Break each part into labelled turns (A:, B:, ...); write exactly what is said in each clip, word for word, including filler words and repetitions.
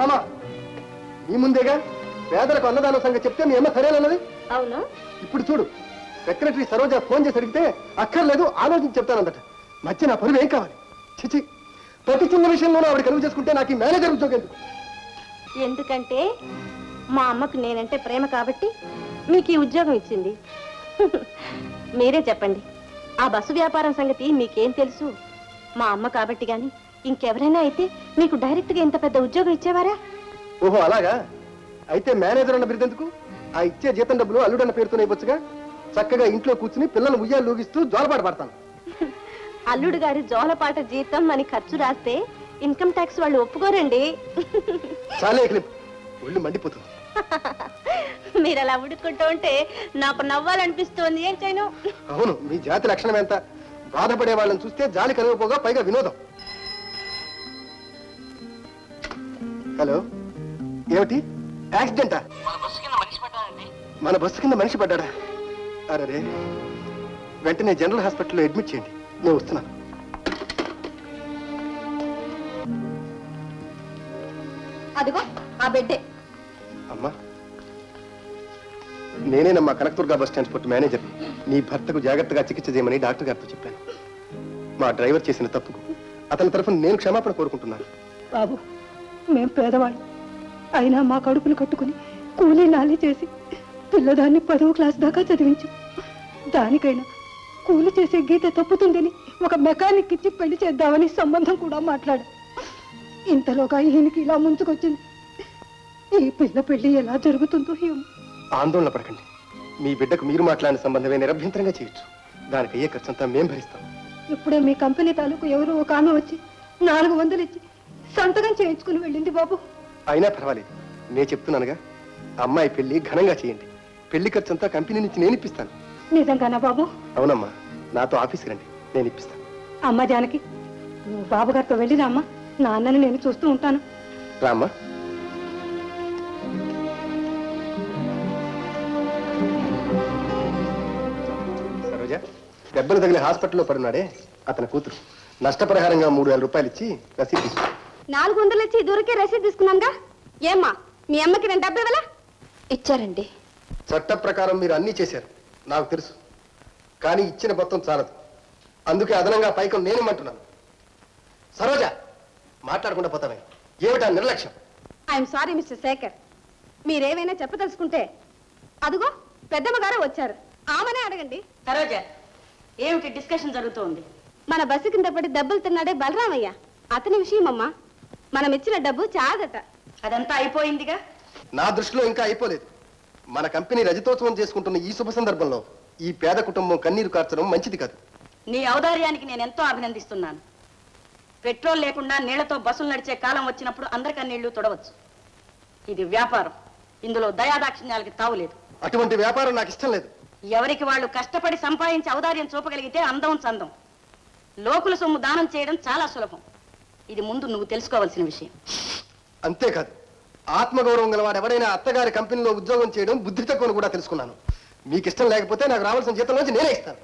A: భామ నీ ముందేగా పేదలకు అన్నదానం సంగతి చెప్తే మీ అమ్మ సరేనన్నది.
B: అవును.
A: ఇప్పుడు చూడు, సెక్రటరీ సరోజ ఫోన్ చేసి అడిగితే అక్కర్లేదు ఆలోచించి చెప్తానందట. మధ్య నా పరువు ఏం కావాలి? చిచి, ప్రతి చిన్న విషయంలోనూ ఆవిడ కలుగు చేసుకుంటే నాకు ఈ మేనేజర్ ఉద్యోగం ఎందుకు?
B: ఎందుకంటే మా అమ్మకు నేనంటే ప్రేమ కాబట్టి మీకు ఈ ఉద్యోగం ఇచ్చింది. మీరే చెప్పండి, ఆ బస్సు వ్యాపారం సంగతి మీకేం తెలుసు? మా అమ్మ కాబట్టి గాని ఇంకెవరైనా అయితే మీకు డైరెక్ట్ గా ఇంత పెద్ద ఉద్యోగం ఇచ్చేవారా?
A: ఓహో అలాగా. అయితే మేనేజర్ అన్న బిరుదెందుకు? ఆ ఇచ్చే జీతం డబ్బులు అల్లుడన్న పేరుతోనే ఇవ్వచ్చుగా. చక్కగా ఇంట్లో కూర్చుని పిల్లలు ఉయ్యాలు లూగిస్తూ జోలపాట పడతాను.
B: అల్లుడు గారి జోలపాట జీతం అని ఖర్చు రాస్తే ఇన్కమ్ ట్యాక్స్ వాళ్ళు ఒప్పుకోరండి.
A: చాలే క్లిప్, ఒళ్ళు మండిపోతుంది.
B: మీరు అలా ఉడుకుంటూ ఉంటే నాకు నవ్వాలనిపిస్తోంది. ఏం చేయను?
A: అవును, మీ జాతి లక్షణం ఎంత. బాధపడే వాళ్ళని చూస్తే జాలి కలగపోగా పైగా వినోదం. హలో, ఏమిటి యాక్సిడెంటా? మన బస్సు కింద మనిషి పడ్డా? అరే, వెంటనే జనరల్ హాస్పిటల్లో అడ్మిట్ చేయండి. నేను వస్తున్నాను.
B: అదిగో ఆ బెడ్డే.
A: అమ్మా, నేనేనమ్మా కనకదుర్గా బస్ ట్రాన్స్పోర్ట్ మేనేజర్. నీ భర్తకు జాగ్రత్తగా చికిత్స చేయమని డాక్టర్ గారితో చెప్పాను. మా డ్రైవర్ చేసిన తప్పుకు అతని తరఫున నేను క్షమాపణ కోరుకుంటున్నాను.
C: బాబు, మేం పేదవాళ్ళు అయినా మా కడుపులు కట్టుకుని కూలీ నాలి చేసి పిల్లదాన్ని పదవ క్లాస్ దాకా చదివించు. దానికైనా కూలి చేసే గీత తప్పుతుందని ఒక మెకానిక్ ఇచ్చి పెళ్లి చేద్దామని సంబంధం కూడా మాట్లాడు. ఇంతలోగా ఈయనకి ఇలా ముంచుకొచ్చింది. ఈ పిల్ల పెళ్లి ఎలా జరుగుతుందో ఏమో.
A: ఆందోళన పడకండి. మీ బిడ్డకు మీరు మాట్లాడిన సంబంధమే నిరభ్యంతరంగా చేయొచ్చు. దానికి అయ్యే ఖర్చంతా మేం భరిస్తాం.
C: ఇప్పుడే మీ కంపెనీ తాలూకు ఎవరు ఒక ఆమె వచ్చి నాలుగు వందలు ఇచ్చి సంతకం చేయించుకుని వెళ్ళింది బాబు.
A: అయినా పర్వాలేదు, నేను చెప్తున్నానుగా. అమ్మాయి పెళ్లి ఘనంగా చేయండి. పెళ్లి ఖర్చంతా కంపెనీ నుంచి నేను ఇప్పిస్తాను.
C: నిజంగానా బాబు?
A: అవునమ్మా, నాతో ఆఫీస్కి రండి, నేను ఇప్పిస్తాను.
C: అమ్మ జానకి, నువ్వు బాబు గారితో వెళ్ళిరా అమ్మా. నాన్నని నేను చూస్తూ ఉంటాను.
A: రామ్మా. సరోజ, దెబ్బలు తగిలి హాస్పిటల్లో పడున్నాడే అతని కూతురు. నష్టపరిహారంగా మూడు వేల రూపాయలు ఇచ్చి రసీదు తీసుకు.
B: నాలుగు వందలు ఇచ్చి దూరకే రసీదు తీసుకున్నాగా. ఏమ్మా, మీ అమ్మకి నేను డబ్బు ఇవ్వాలా? ఇచ్చారండి.
A: చట్ట ప్రకారం మీరు అన్నీ చేశారు, నాకు తెలుసు. కానీ ఇచ్చిన మొత్తం చాలదు. అందుకే అదనంగా పైకం నేనేమంటున్నాను. సరోజ, మాట్లాడకుండా పోతామే. ఏమిటా నిర్లక్ష్యం?
B: I'm sorry mister Shekhar. మీరేమైనా చెప్పదలుచుకుంటే అదిగో పెద్దమ్మ గారు వచ్చారు, ఆమెనే అడగండి.
D: సరోజ, ఏమిటి డిస్కషన్ జరుగుతోంది?
B: మన బస్సు కింద పడి దెబ్బలు తిన్నాడే బలరామయ్య, అతని విషయం అమ్మా. మనం ఇచ్చిన డబ్బు చాదట.
D: అదంతా అయిపోయిందిగా.
A: నా దృష్టిలో ఇంకా అయిపోలేదు. మన కంపెనీ రజతోత్సవం చేసుకుంటున్న ఈ శుభ సందర్భంలో ఈ పేద కుటుంబం కన్నీరు కార్చడం మంచిది కాదు.
D: నీ ఔదార్యానికి నేను ఎంతో అభినందిస్తున్నాను. పెట్రోల్ లేకుండా నీళ్లతో బస్సులు నడిచే కాలం వచ్చినప్పుడు అందరి కన్నీళ్లు తొడవచ్చు. ఇది వ్యాపారం, ఇందులో దయాదాక్షిణ్యాలకి తావులేదు.
A: అటువంటి వ్యాపారం నాకు ఇష్టం లేదు.
D: ఎవరికి వాళ్ళు కష్టపడి సంపాదించి ఔదార్యం చూపగలిగితే అందం చందం. లోకుల సొమ్ము దానం చేయడం చాలా సులభం. ఇది ముందు నువ్వు తెలుసుకోవాల్సిన విషయం.
A: అంతేకాదు, ఆత్మగౌరవం గలవాడు ఎవరైనా అత్తగారి కంపెనీలో ఉద్యోగం చేయడం బుద్ధి తక్కువని కూడా తెలుసుకున్నాను. మీకు ఇష్టం లేకపోతే నాకు రావాల్సిన జీతం నుంచి నేనే ఇస్తాను.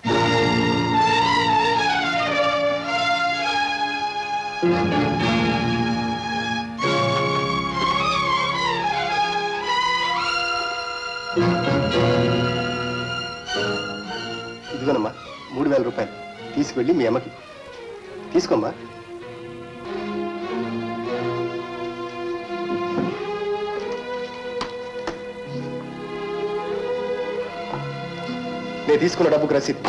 A: ఇదిగోనమ్మా మూడు వేల రూపాయలు తీసుకువెళ్ళి మీ అమ్మకి తీసుకోమ్మా. నేను తీసుకున్న డబ్బుకు రసీదు.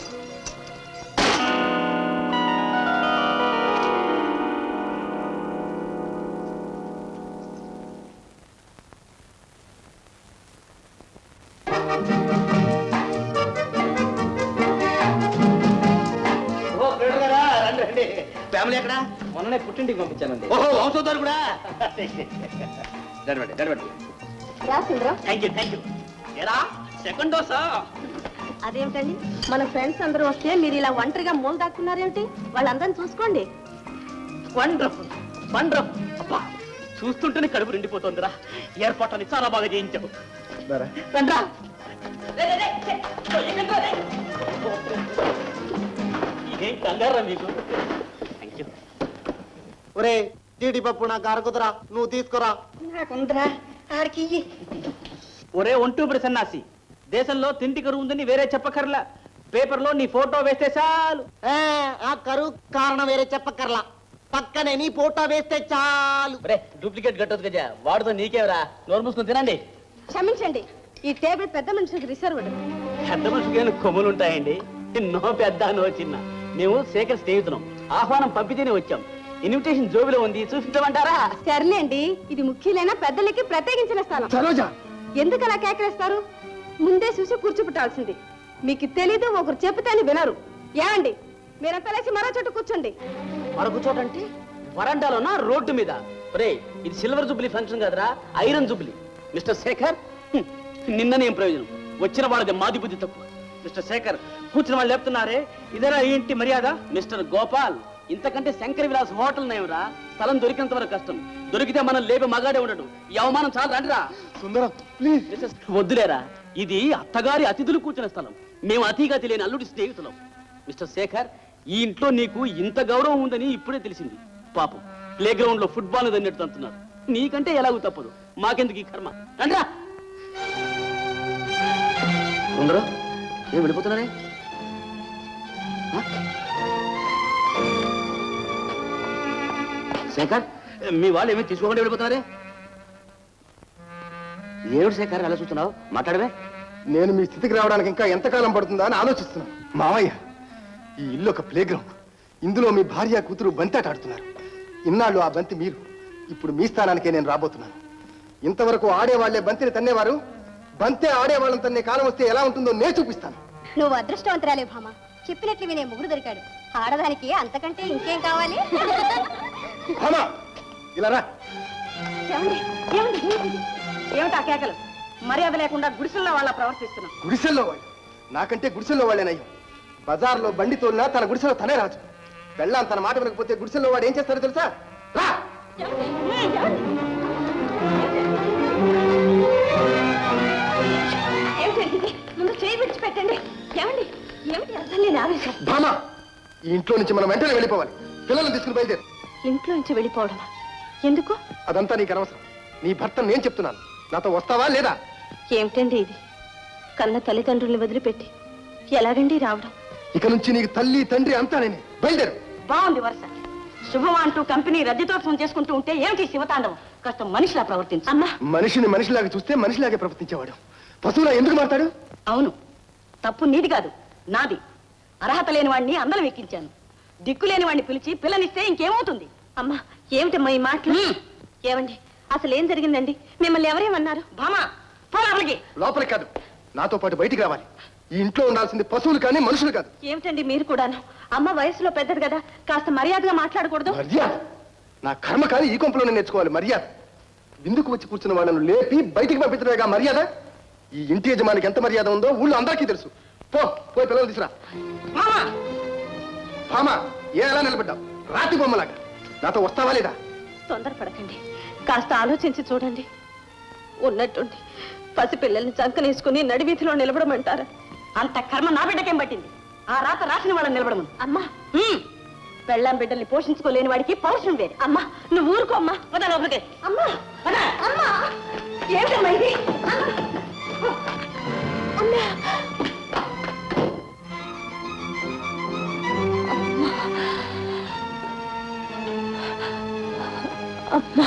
E: ఫ్యామిలీ ఎక్కడ? మొన్ననే పుట్టింటికి పంపించానండి. ఓహో, వంశోద్ధారు కూడా. సెకండ్ డోసా?
B: అదేమిటండి, మన ఫ్రెండ్స్ అందరూ వస్తే మీరు ఇలా ఒంటరిగా మూల దాక్కున్నారేమిటి? వాళ్ళందరినీ చూసుకోండి.
E: Wonderful wonderful. అబ్బా, చూస్తుంటేనే కడుపు నిండిపోతుందిరా. ఏర్పాట్లని చాలా బాగా చేయించావు. రండ్రా. ఇదేం కంగారా మీకు?
A: ఒరే,
E: జీడిపప్పు నాకు అరకుదురా, నువ్వు తీసుకురా.
D: నాకుందరా ఆడికి
E: ఒరే ఒంటూపురి సన్నాసి, దేశంలో తిండి కరువు ఉందని వేరే చెప్పకర్లా, పేపర్లో నీ ఫోటో వేస్తే చాలు. ఆ కరువు కారణం వేరే చెప్పకర్లా, పక్కనే నీ ఫోటో వేస్తే చాలు. డూప్లికేట్ కట్టదు కదా, వాడుతో నీకేవరా, నోరు మూసుకొని తినండి.
B: క్షమించండి, ఈ టేబుల్ పెద్ద మనుషులకు రిజర్వ్డ్.
E: పెద్ద మనుషులకి కొమ్ములు ఉంటాయండి, నో పెద్ద నో చిన్న. మేము శేఖర్ స్నేహితులం, ఆహ్వానం పంపితేనే వచ్చాం. ఇన్విటేషన్ జోబిలో ఉంది, చూపించమంటారా?
B: సర్లేండి, ఇది ముఖ్యులైన పెద్దలకి ప్రత్యేకించిన స్థలం.
A: సరోజ,
B: ఎందుకు అలా కేకరేస్తారు? ముందే చూసి కూర్చోపెట్టాల్సింది. మీకు తెలీదు, ఒకరు చెప్తే వినరు. ఏమండి, మీరంతా లేచి మరో చోట కూర్చోండి.
E: మరొక చోట అంటే వరండాలోనా, రోడ్డు మీద? రే, ఇది సిల్వర్ జూబ్లీ ఫంక్షన్ కదరా, ఐరన్ జూబ్లీ. మిస్టర్ శేఖర్, హ్మ్, నిన్న నేను ప్రయోజనం, వచ్చిన వాళ్ళది మాది బుద్ధి తక్కువ. మిస్టర్ శేఖర్, కూర్చున్న వాళ్ళు చెప్తున్నారే, ఇదేనా ఏంటి మర్యాద? మిస్టర్ గోపాల్, ఇంతకంటే శంకర్ విలాస్ హోటల్ నయమరా, స్థలం దొరికినంత వరకు కష్టం, దొరికితే మనం లేపి మగాడే ఉండడు. ఈ అవమానం చాలు, రండిరా.
A: సుందరం ప్లీజ్.
E: మిస్సెస్ వద్దులేరా, ఇది అత్తగారి అతిథులు కూర్చున్న స్థలం, మేము అతిగా తెలియని అల్లుడి స్నేహితులం. మిస్టర్ శేఖర్, ఈ ఇంట్లో నీకు ఇంత గౌరవం ఉందని ఇప్పుడే తెలిసింది. పాపం ప్లే గ్రౌండ్ లో ఫుట్బాల్ దన్నట్టు అంటున్నారు. నీకంటే ఎలాగూ తప్పదు, మాకెందుకు ఈ కర్మ, రండిరా. సుందరం, ఏం వెళ్ళిపోతున్నారే? శేఖర్, మీ వాళ్ళు ఏమీ తీసుకోకుండా వెళ్ళిపోతున్నారే? ఏమిటి శేఖర్ అలా చూస్తున్నావు, మాట్లాడవే.
A: నేను మీ స్థితికి రావడానికి ఇంకా ఎంతకాలం పడుతుందా అని ఆలోచిస్తున్నాను. మావయ్య, ఈ ఇల్లు ఒక ప్లే గ్రౌండ్. ఇందులో మీ భార్య కూతురు బంతాట ఆడుతున్నారు. ఇన్నాళ్ళు ఆ బంతి మీరు, ఇప్పుడు మీ స్థానానికే నేను రాబోతున్నాను. ఇంతవరకు ఆడేవాళ్లే బంతిని తన్నేవారు, బంతే ఆడేవాళ్ళని తన్నే కాలం వస్తే ఎలా ఉంటుందో నేను చూపిస్తాను.
B: నువ్వు అదృష్టవంతురాలే భామ, చెప్పినట్లు వినే ముగ్గురు దొరికాడు. ఆడదానికి అంతకంటే ఇంకేం కావాలి?
A: భామ, ఇలా రా.
D: ఏమండి ఏమండి ఏమిటి ఆ కేకలు? మర్యాద లేకుండా గుడిసెల్లో వాళ్ళ ప్రవర్తిస్తున్నాం.
A: గుడిసెల్లో వాళ్ళు నాకంటే గుడిసెల్లో వాళ్ళేనయ్యో. బజార్లో బండి తోలినా తన గుడిసెలో తనే రాజు. వెళ్ళాం తన మాట వినకపోతే గుడిసెల్లో వాడు ఏం చేస్తాడో తెలుసా? రా.
B: ఏమిటండి, ముందు చేయి విడిచిపెట్టండి. ఏమండి, ఏమిటి అర్థం లేని ఆవేశం?
A: భామ, ఈ ఇంట్లో నుంచి మనం వెంటనే వెళ్ళిపోవాలి. పిల్లల్ని తీసుకుని బయలుదేరు.
B: ఇంట్లో నుంచి వెళ్ళిపోవడమా? ఎందుకు?
A: అదంతా నీకు అనవసరం. నీ భర్త నేను చెప్తున్నాను, నాతో వస్తావా లేదా?
B: ఏమిటండి ఇది? కన్న తల్లిదండ్రుల్ని వదిలిపెట్టి ఎలాగండి రావడం?
A: ఇక నుంచి నీకు తల్లి తండ్రి అంతా నేనే. బయలుదేరు.
D: బాగుంది వరుస. శుభం అంటూ కంపెనీ రద్దీతోత్సవం చేసుకుంటూ ఉంటే ఏమిటి శివతాండవం? కాస్త మనిషిలా ప్రవర్తించు.
B: అమ్మా,
A: మనిషిని మనిషిలాగా చూస్తే మనిషిలాగే ప్రవర్తించేవాడు. పశువులా ఎందుకు మాట్లాడు?
D: అవును, తప్పు నీది కాదు, నాది. అర్హత లేని వాడిని అందరం ఎక్కించాను. దిక్కు లేని వాడిని పిలిచి పిల్లనిస్తే ఇంకేమవుతుంది?
B: అమ్మా, ఏమిటమ్మా ఈ మాటలు? ఏమండి, అసలు ఏం జరిగిందండి? మిమ్మల్ని ఎవరేమన్నారు?
D: భామా, పో లోపలికి.
A: లోపలికి కాదు, నాతో పాటు బయటికి రావాలి. ఈ ఇంట్లో ఉండాల్సింది పశువులు కానీ మనుషులు కాదు.
B: ఏమిటండి మీరు కూడాను? అమ్మ వయసులో పెద్దది కదా, కాస్త మర్యాదగా మాట్లాడకూడదు?
A: మర్యాద నా కర్మ కాదు, ఈ కొంపలోనే నేర్చుకోవాలి మర్యాద. విందుకు వచ్చి కూర్చున్న వాళ్ళను లేపి బయటికి పంపించడమేగా మర్యాద. ఈ ఇంటి యజమానికి ఎంత మర్యాద ఉందో ఊళ్ళో అందరికీ తెలుసు. పో, పోయి పిల్లలు తీసురా.
D: భామా,
A: భామా, ఏ ఎలా నిలబడ్డావు? రాతి బొమ్మలాగా. నాతో వస్తావా లేదా?
B: తొందరపడకండి, కాస్త ఆలోచించి చూడండి. ఉన్నట్టుండి పసిపిల్లల్ని చంకనేసుకుని నడివీధిలో నిలబడమంటారా?
D: అంత కర్మ నా బిడ్డకేం పట్టింది? ఆ రాత రాసిన వాళ్ళని నిలబడమను.
B: అమ్మా,
D: పెళ్ళాం బిడ్డల్ని పోషించుకోలేని వాడికి పౌరుషం వేరు.
B: అమ్మా, నువ్వు ఊరుకో అమ్మా.
D: పద లోపలికి.
B: అమ్మా,
D: పద.
B: అమ్మా, ఏమిటమ్మా ఇది? అమ్మా, అమ్మా,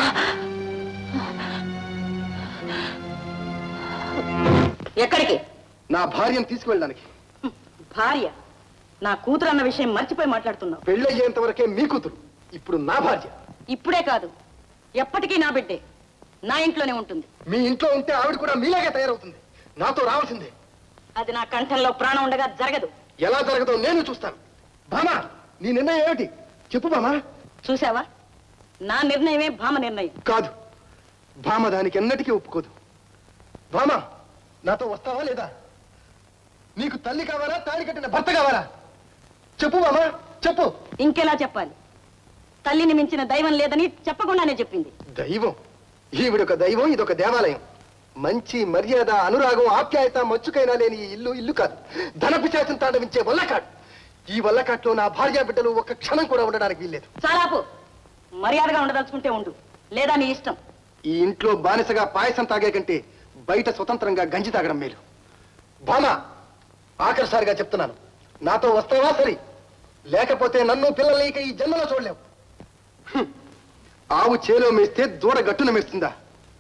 D: ఎక్కడికి?
A: నా భార్యను తీసుకువెళ్ళడానికి.
D: భార్య? నా కూతురు అన్న విషయం మర్చిపోయి మాట్లాడుతున్నావు.
A: పెళ్ళయ్యేంత వరకే మీ కూతురు, ఇప్పుడు నా భార్య.
D: ఇప్పుడే కాదు, ఎప్పటికీ నా బిడ్డే. నా ఇంట్లోనే ఉంటుంది.
A: మీ ఇంట్లో ఉంటే ఆవిడ కూడా మీలాగే తయారవుతుంది. నాతో రావాల్సిందే.
D: అది నా కంఠంలో ప్రాణం ఉండగా జరగదు.
A: ఎలా జరగదో నేను చూస్తాను. భామా, నీ నిర్ణయం ఏమిటి? చెప్పు భామా.
D: చూసావా, నా నిర్ణయమే భామ నిర్ణయం.
A: కాదు, భామ దానికి ఎన్నటికీ ఒప్పుకోదు. భామా, నాతో వస్తావా లేదా? నీకు తల్లి కావాలా, తాళి కట్టిన భర్త కావాలా? చెప్పు భామా, చెప్పు.
D: ఇంకెలా చెప్పాలి? తల్లిని మించిన దైవం లేదని చెప్పకుండానే చెప్పింది.
A: దైవం? ఈవిడొక దైవం, ఇదొక దేవాలయం. మంచి మర్యాద, అనురాగం, ఆప్యాయత మచ్చుకైనా లేని ఈ ఇల్లు ఇల్లు కాదు, ధనపిశాచం తాండవించే వల్లకాడు. ఈ వల్లకాట్లో నా భార్య బిడ్డలు ఒక్క క్షణం కూడా ఉండడానికి వీల్లేదు.
D: చాలాపు. మర్యాదగా ఉండదలుచుకుంటే ఉండు, లేదా నీ ఇష్టం.
A: ఈ ఇంట్లో బానిసగా పాయసం తాగే కంటే బయట స్వతంత్రంగా గంజి తాగడం మేలు. బామా, ఆఖరిసారిగా చెప్తున్నాను, నాతో వస్తావా సరి, లేకపోతే నన్ను పిల్లల్ని ఇక ఈ జన్మలో చూడలేవు. హ్మ్. ఆవు చేలో మేస్తే దూడ గట్టున మేస్తుందా?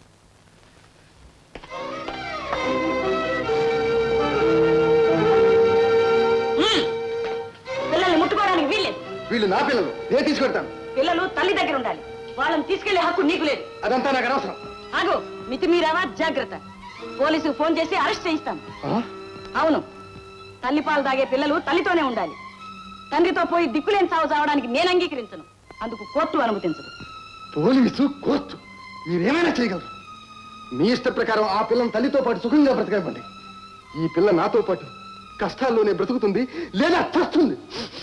D: పిల్లల్ని ముట్టుకోవడానికి వీల్లేదు.
A: వీళ్ళు నా పిల్లలు, నేను తీసుకెళ్తాను.
D: పిల్లలు తల్లి దగ్గర ఉండాలి, వాళ్ళని తీసుకెళ్లే హక్కు నీకు లేదు.
A: అదంతా నాకు అనవసరం.
D: ఆగు, మితిమీరావా జాగ్రత్త. పోలీసుకు ఫోన్ చేసి అరెస్ట్ చేయిస్తాం.
A: ఆ?
D: అవును, తల్లిపాలు తాగే పిల్లలు తల్లితోనే ఉండాలి. తండ్రితో పోయి దిక్కులేని సాగు చావడానికి నేను అంగీకరించను. అందుకు కోర్టు అనుమతించదు.
A: పోలీసు, కోర్టు మీరేమైనా చేయగలరు. మీ ఇష్ట ప్రకారం ఆ పిల్లని తల్లితో పాటు సుఖంగా బ్రతకనివ్వండి. ఈ పిల్ల నాతో పాటు కష్టాల్లోనే బ్రతుకుతుంది, లేదా చస్తుంది.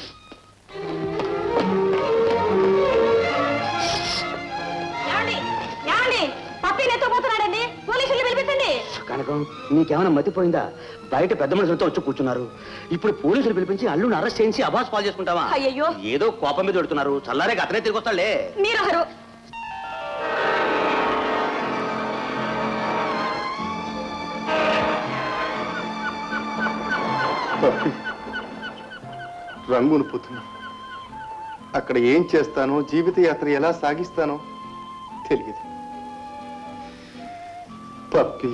D: ఏమండి, ఏమండి, పప్పి నెత్తపోతున్నాడండి, పోలీసులు పిలిపించండి.
E: కనకం, నీకేమైనా మతిపోయిందా? బయట పెద్ద మనుషులతో వచ్చి కూర్చున్నారు. ఇప్పుడు పోలీసులు పిలిపించి అల్లుని అరెస్ట్ చేయించి అబాస్ పాలు చేసుకుంటావా?
D: అయ్యయ్యో.
E: ఏదో కోపం మీద పెడుతున్నారు. చల్లారే అతనే తిరిగి వస్తాడులే.
D: మీరెవరు?
A: రంగును పోతున్నా. అక్కడ ఏం చేస్తానో, జీవిత యాత్ర ఎలా సాగిస్తానో తెలియదు. పప్పి,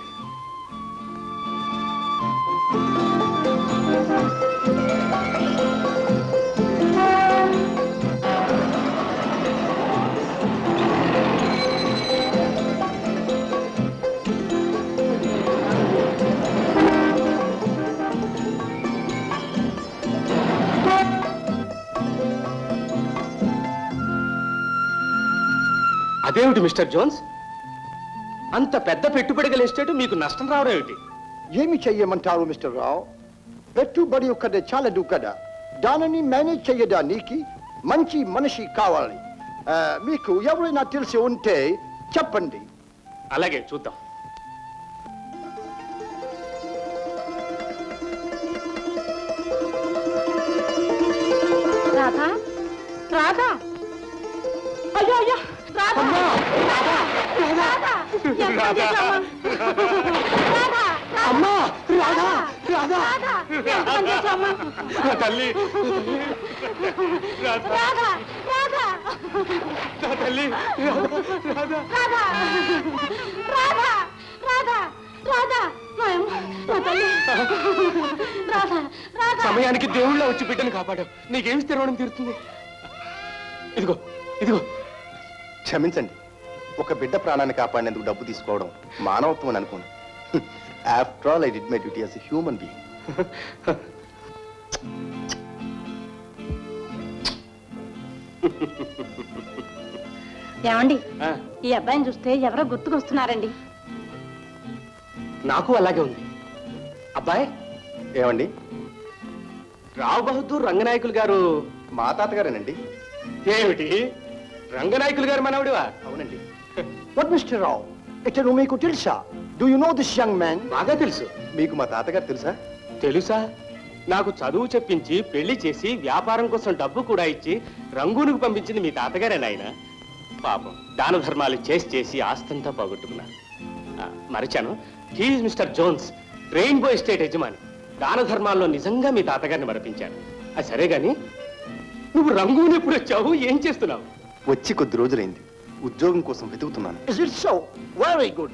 F: అదేమిటి మిస్టర్ జోన్స్, అంత పెద్ద పెట్టుబడి గల ఎస్టేట్ మీకు నష్టం రావడం ఏమిటి?
G: ఏమి చెయ్యమంటారు మిస్టర్ రావు? పెట్టుబడి ఒక్కడే చాలదు కదా, దానిని మేనేజ్ చేయడానికి మంచి మనిషి కావాలి. ఆ, మీకు ఎవరైనా తెలిసి ఉంటే చెప్పండి.
F: అలాగే చూద్దాం.
B: రాధా, రాధా, అయ్యో అయ్యో, రాధా, రాధా, రాధా, ఎంత చేశావమ్మా? రాధా,
A: అమ్మా, రాధా,
B: రాధా, రాధా, ఎంత పని చేశావమ్మా?
F: తల్లి,
B: రాధా, రాధా,
F: తల్లి,
B: రాధా, రాధా, రాధా, రాధా, నాయమ్మ, నా తల్లి, రాధా, రాధా.
F: సమయానికి దేవుళ్ళ వచ్చి బిడ్డను కాపాడావు. నీకేమి స్థిరవడం తీరుతుంది? ఇదిగో ఇదిగో.
A: క్షమించండి. ఒక బిడ్డ ప్రాణాన్ని కాపాడినందుకు డబ్బు తీసుకోవడం మానవత్వం అని అనుకోండి. After all I did my duty as a human being.
B: ఏమండి,
F: ఆ,
B: ఈ అబ్బాయిని చూస్తే ఎవరో గుర్తుకొస్తున్నారండి.
F: నాకు అలాగే ఉంది. అబ్బాయి,
A: ఏమండి?
F: రావు బహదూర్ రంగనాయకులు గారు
A: మా తాతగారేనండి.
F: ఏమిటి, రంగనాయకులు గారు మనవడివా?
A: అవునండి.
G: What మిస్టర్ రావు, ఇతను మీకు తెలుసా? Do you know this young man?
F: బాగా తెలుసు.
A: మీకు మా తాతగారు తెలుసా?
F: తెలుసా? నాకు చదువు చెప్పించి పెళ్లి చేసి వ్యాపారం కోసం డబ్బు కూడా ఇచ్చి రంగూనుకు పంపించింది మీ తాతగారే నాయన. పాపం దాన ధర్మాలు చేసి చేసి ఆస్తంతా పోగొట్టుకున్నారు. ఆ, మరిచాను, he is mister Jones, rainbow estate యజమాని. దాన ధర్మాల్లో నిజంగా మీ తాతగారిని మరపించాను. అది సరే గాని, నువ్వు రంగూను ఎప్పుడు వచ్చావు, ఏం చేస్తున్నావు?
A: వచ్చి కొద్ది రోజులైంది. ఉద్యోగం కోసం వెతుకుతున్నాను.
G: Is it so? Very good.